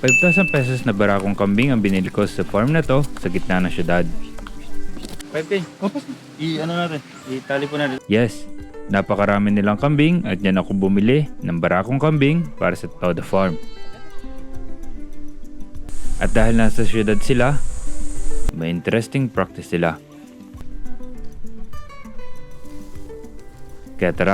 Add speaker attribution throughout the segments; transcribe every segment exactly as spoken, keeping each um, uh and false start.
Speaker 1: five thousand pesos na barakong kambing ang binili ko sa farm na to sa gitna ng syudad.
Speaker 2: five K. Opas. I-ano natin. I-tali po natin.
Speaker 1: Yes, napakarami nilang kambing at yan ako bumili ng barakong kambing para sa Todo Farm. At dahil nasa syudad sila, may interesting practice sila. Kaya tara.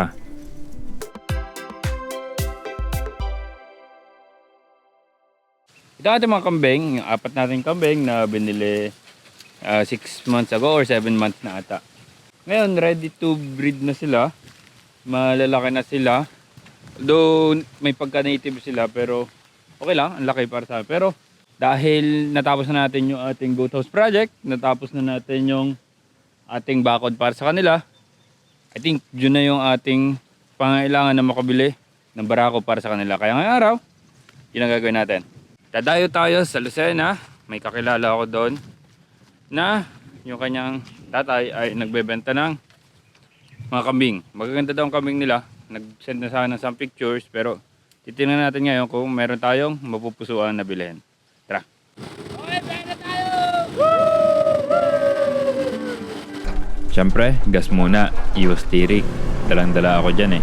Speaker 1: Ito ating mga kambing, yung apat nating kambing na binili six months ago or seven months na ata. Ngayon, ready to breed na sila. Malalaki na sila. Though may pagka-native sila pero okay lang, ang laki para sa akin. Pero dahil natapos na natin yung ating goat house project, natapos na natin yung ating bakod para sa kanila, I think yun na yung ating pangailangan na makabili ng barako para sa kanila. Kaya ngayong araw, yun ang gagawin natin. Dadayo tayo sa Lucena. May kakilala ako doon na yung kanyang tatay ay nagbebenta ng mga kambing. Magaganda daw ang kambing nila. Nag-send na sa akin ng some pictures pero titingnan natin ngayon kung meron tayong mapupusuan na bilhin. Tara! Okay, pera tayo! Siyempre, gas muna. Iwas tirik. Dalang-dala ako dyan eh.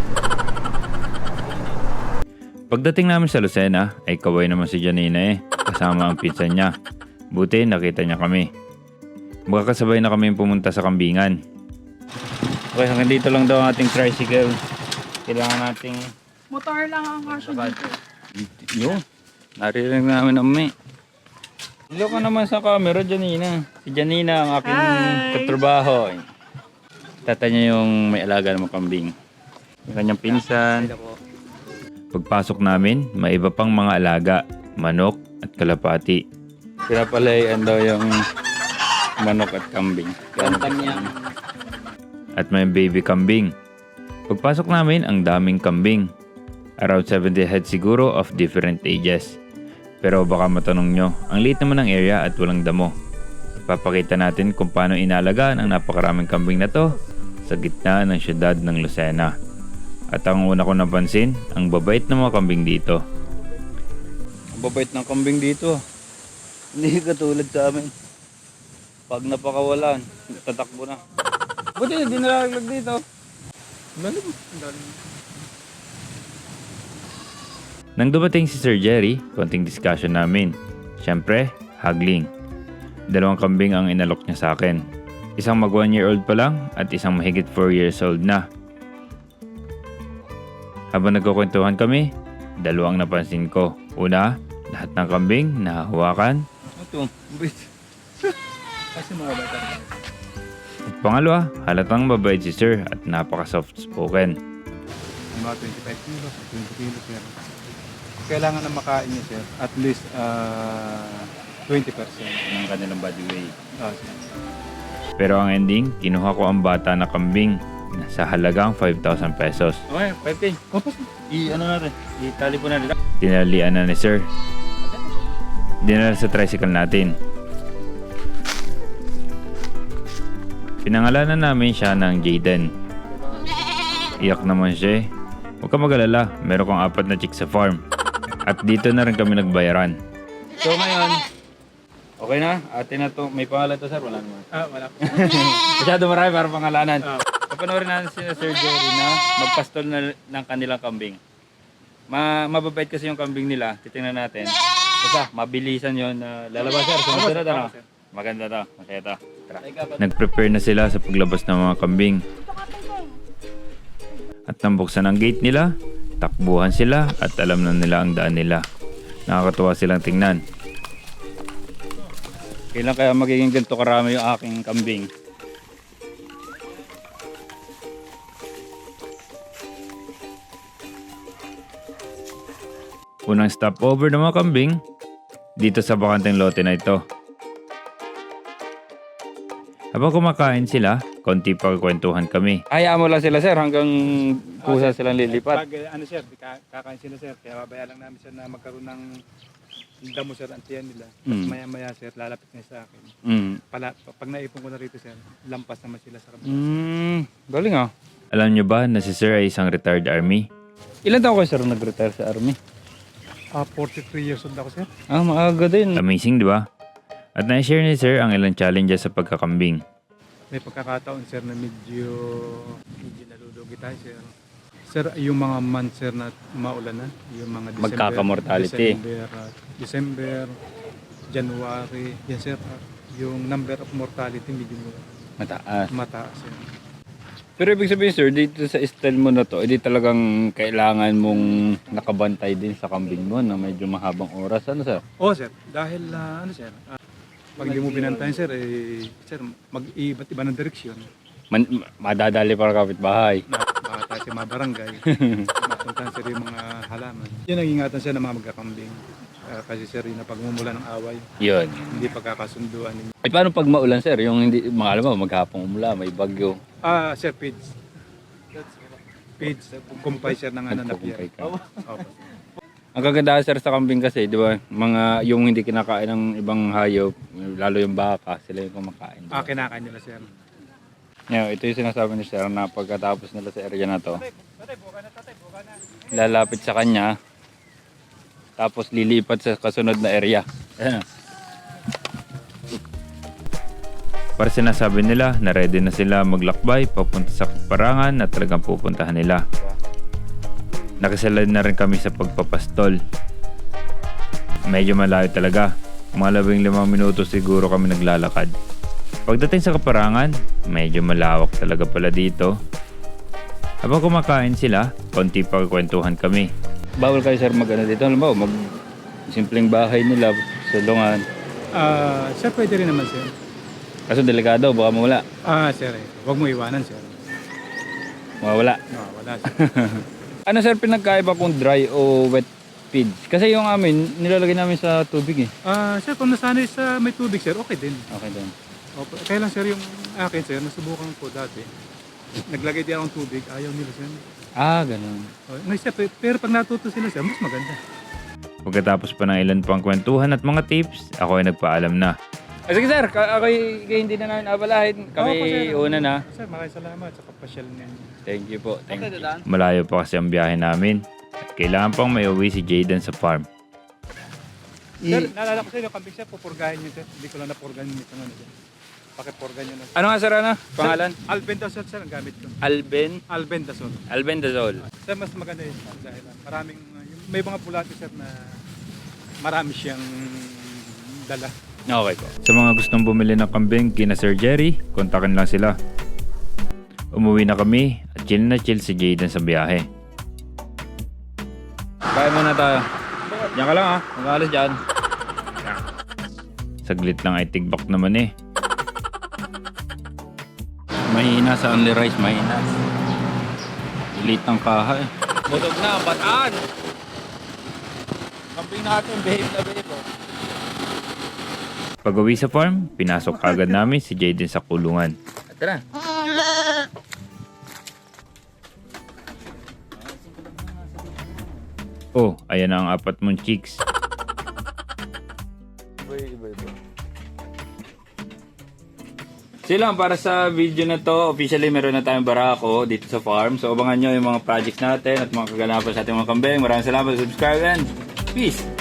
Speaker 1: Pagdating namin sa Lucena, ay kaway naman si Janina eh. Kasama ang pinsan niya. Buti nakita niya kami. Magkakasabay na kami pumunta sa kambingan. Okay, hanggang dito lang daw ang ating tricycle. Kailangan nating...
Speaker 3: Motor lang ang kasya dito.
Speaker 1: Yun. Naririnig namin ang may. Hello ka naman sa camera, Janina. Si Janina ang aking
Speaker 3: Hi.
Speaker 1: katrabaho. Tata niya yung may alaga ng mga kambing. Yung kanyang pinsan. Pagpasok namin, may iba pang mga alaga. Manok at kalapati. Pinapalayan daw yung manok at kambing.
Speaker 2: Kantam niya.
Speaker 1: At may baby kambing. Pagpasok namin, ang daming kambing. Around seventy heads siguro of different ages. Pero baka matanong nyo, ang liit naman ng area at walang damo. Papakita natin kung paano inalagaan ang napakaraming kambing na to sa gitna ng syudad ng Lucena. At ang una ko napansin, ang babait ng mga kambing dito.
Speaker 2: Ang babait ng kambing dito. Hindi katulad sa amin. Pag napakawalan, tatakbo na. Buti hindi nalaglag dito. Lalim.
Speaker 1: Nang dumating si Sir Jerry, konting discussion namin. Siyempre, haggling. Dalawang kambing ang inalok niya sa akin. Isang mag one year old pa lang at isang mahigit four years old na. Habang nagkukwentuhan kami, dalawang napansin ko. Una, lahat ng kambing nahahawakan.
Speaker 2: Ito, wait. Kasi mga bata.
Speaker 1: At pangalawa, halatang mabait si Sir at napaka-soft spoken.
Speaker 4: Mga twenty-five kilos, twenty kilos yan. Kailangan na makain niya sir, at least uh, twenty percent.
Speaker 1: Ng kanilang body weight.
Speaker 4: Oh, sir.
Speaker 1: Pero ang ending, kinuha ko ang bata na kambing na sa halagang five thousand pesos.
Speaker 2: Okay, five K.
Speaker 4: Opas.
Speaker 2: I-ano natin. I-tali po natin.
Speaker 1: Tinalian na ni Sir. Dinala sa tricycle natin. Pinangalanan namin siya ng Jaden. Iyak naman siya eh. Huwag ka mag-alala, meron kang apat na chicks sa farm. At dito na rin kami nagbayaran.
Speaker 2: So ngayon, okay na? Atin na to. May pangalan to sir? Wala naman.
Speaker 4: Ah, wala po.
Speaker 2: Masyado marami para pangalanan.
Speaker 4: Ah.
Speaker 2: Papanoorin natin si Sir Jerry na magpastol na ng kanilang kambing. Ma mababait kasi yung kambing nila. Titingnan natin. Basta, mabilisan yon na lalabas sir. Sumunod na ano? Maganda to. Masaya to. Tara.
Speaker 1: Nag-prepare na sila sa paglabas ng mga kambing. At nang buksan ang gate nila, takbuhan sila at alam na nila ang daan nila. Nakakatuwa silang tingnan.
Speaker 2: Kailan kaya magiging ganito karami yung aking kambing?
Speaker 1: Unang stopover ng mga kambing, dito sa bakanteng lote na ito. Habang kumakain sila, konti pa kwentuhan kami.
Speaker 2: Hayaan mo lang sila sir hanggang kusa silang lilipat.
Speaker 4: Pag uh, ano sir, ka- kakain sila sir, kaya babaya lang namin sir na magkaroon ng damo sir ang tiyan nila. Tapos
Speaker 2: Mm.
Speaker 4: maya maya sir, lalapit na sa akin.
Speaker 2: Mm.
Speaker 4: Pala, pag naipon ko na rito sir, lampas naman sila sa kabila.
Speaker 2: Mm. Galing ah.
Speaker 1: Alam nyo ba na si Sir ay isang retired army?
Speaker 2: Ilan taon kayo sir nag-retire sa army?
Speaker 4: Ah, forty-three years old ako, sir.
Speaker 1: Ah, maaga din.
Speaker 2: Amazing, di ba? At na-share ni Sir ang ilang challenges sa pagkakambing.
Speaker 4: May pagkakataon, sir, na medyo, medyo nalulugi tayo, sir. Sir, yung mga months, sir, na maulan na, yung mga December,
Speaker 1: Magkaka-mortality.
Speaker 4: December, ah, December, January, yan, sir, ah, yung number of mortality medyo
Speaker 1: Mataas.
Speaker 4: mataas, sir.
Speaker 1: Pero ibig sabihin sir, dito sa style mo na to, hindi talagang kailangan mong nakabantay din sa kambing mo na medyo mahabang oras. Ano sir?
Speaker 4: Oo, sir, dahil, ah, ano, sir, ah, pag hindi mo binantayan, sir, eh, sir, mag-iba't iba ng direksyon.
Speaker 1: Man, madadali para kapitbahay.
Speaker 4: Na baka tayo sa mga barangay, mapuntahan, sir, yung mga halaman. Yun ang ingatan, sir, ng mga magkakambing. Ah, kasi, sir, yung pagmumula ng away,
Speaker 1: Yun.
Speaker 4: hindi pagkakasunduan ninyo.
Speaker 1: Ay paano pag maulan sir? Yung hindi, mga alam mo, maghapong umula, may bagyo.
Speaker 4: Ah, sir, pids. Pids, kumpay, sir, ng ano na pier.
Speaker 1: Nagkukumpay ka.
Speaker 4: Opo.
Speaker 1: Ang kagandahan sir sa kambing kasi, di ba, mga yung hindi kinakain ng ibang hayop, lalo yung baka, sila yung kumakain.
Speaker 4: Ah, kinakain nila, sir.
Speaker 1: Yeah, ito yung sinasabi ni sir na pagkatapos nila sa area na to, lalapit sa kanya, tapos lilipat sa kasunod na area. Ayan.
Speaker 2: Para sinasabi nila na ready na sila maglakbay papunta sa parangan na talagang pupuntahan nila. Nakasalad na rin kami sa pagpapastol. Medyo malayo talaga. Mga labing limang minuto siguro kami naglalakad. Pagdating sa kaparangan, medyo malawak talaga pala dito. Habang kumakain sila, konti pa kwentuhan kami.
Speaker 1: Bawal kayo sir mag ano dito, alam mo, mag simpleng bahay nila, sulungan.
Speaker 4: Ah, sir, pwede rin naman, sir.
Speaker 1: Kaso delikado, baka mawala.
Speaker 4: Ah, sir, eh. Huwag mo iwanan, sir.
Speaker 1: Mawala.
Speaker 4: Ah, wala, sir.
Speaker 1: Ano sir, pinagkaiba kung dry o wet feeds? Kasi yung amin, nilalagay namin sa tubig eh.
Speaker 4: Ah, sir, kung nasanay sa may tubig, sir, okay din.
Speaker 1: Okay din.
Speaker 4: Opo. Kaya lang, sir, yung akin, sir, nasubukan ko dati. Naglagay din akong tubig, ayaw nila, sir.
Speaker 1: Ah, ganun.
Speaker 4: Oh, no, sir, pe- pero pag natuto sila, sir, mas maganda.
Speaker 2: Pagkatapos pa ng ilan pang kwentuhan at mga tips, ako ay nagpaalam na.
Speaker 1: Ah, sige sir, ka- ako kayo hindi na namin abalahin. Kami
Speaker 4: Opo, sir.
Speaker 1: una na.
Speaker 4: Sir, maraming salamat sa kapasyal niya.
Speaker 1: Thank you po. Thank you.
Speaker 2: Malayo pa kasi ang biyahe namin. At kailangan pang may uwi si Jayden sa farm.
Speaker 4: Sir, naalala ko sa'yo, yung kambing, sir, pupurgahin niyo, sir. Hindi ko lang napurgahin niyo ito, ano, sir. Pakipurgahin niyo na.
Speaker 1: Ano nga sir, ano? Pangalan?
Speaker 4: Sir, Albendazole, sir, ang gamit ko.
Speaker 1: Alben?
Speaker 4: Albendazole.
Speaker 1: Albendazole.
Speaker 4: Sir, mas maganda yun, sir, dahil ah, maraming, uh, yung- may mga bulati, sir, na marami siyang dala.
Speaker 1: Okay po.
Speaker 2: Sa mga gustong bumili ng kambing kina Sir Jerry, kontakin lang sila. Umuwi na kami at chill na chill si Jayden sa biyahe.
Speaker 1: Kaya muna tayo. Diyan ka lang ha. Mag-alas dyan.
Speaker 2: Saglit lang ay tigbak naman eh.
Speaker 1: Mahina sa only rice, mahina. Liit ng kaha eh. Butog na, bataan! Kambing natin, babe na babe oh.
Speaker 2: Pag uwi sa farm, pinasok agad namin si Jayden sa kulungan.
Speaker 1: Tara.
Speaker 2: Oh, ayan na ang apat mong chicks.
Speaker 1: So lang, para sa video na to, officially meron na tayong barako dito sa farm. So abangan nyo yung mga projects natin at mga kaganapan sa ating mga kambing. Maraming salamat sa subscribe and peace!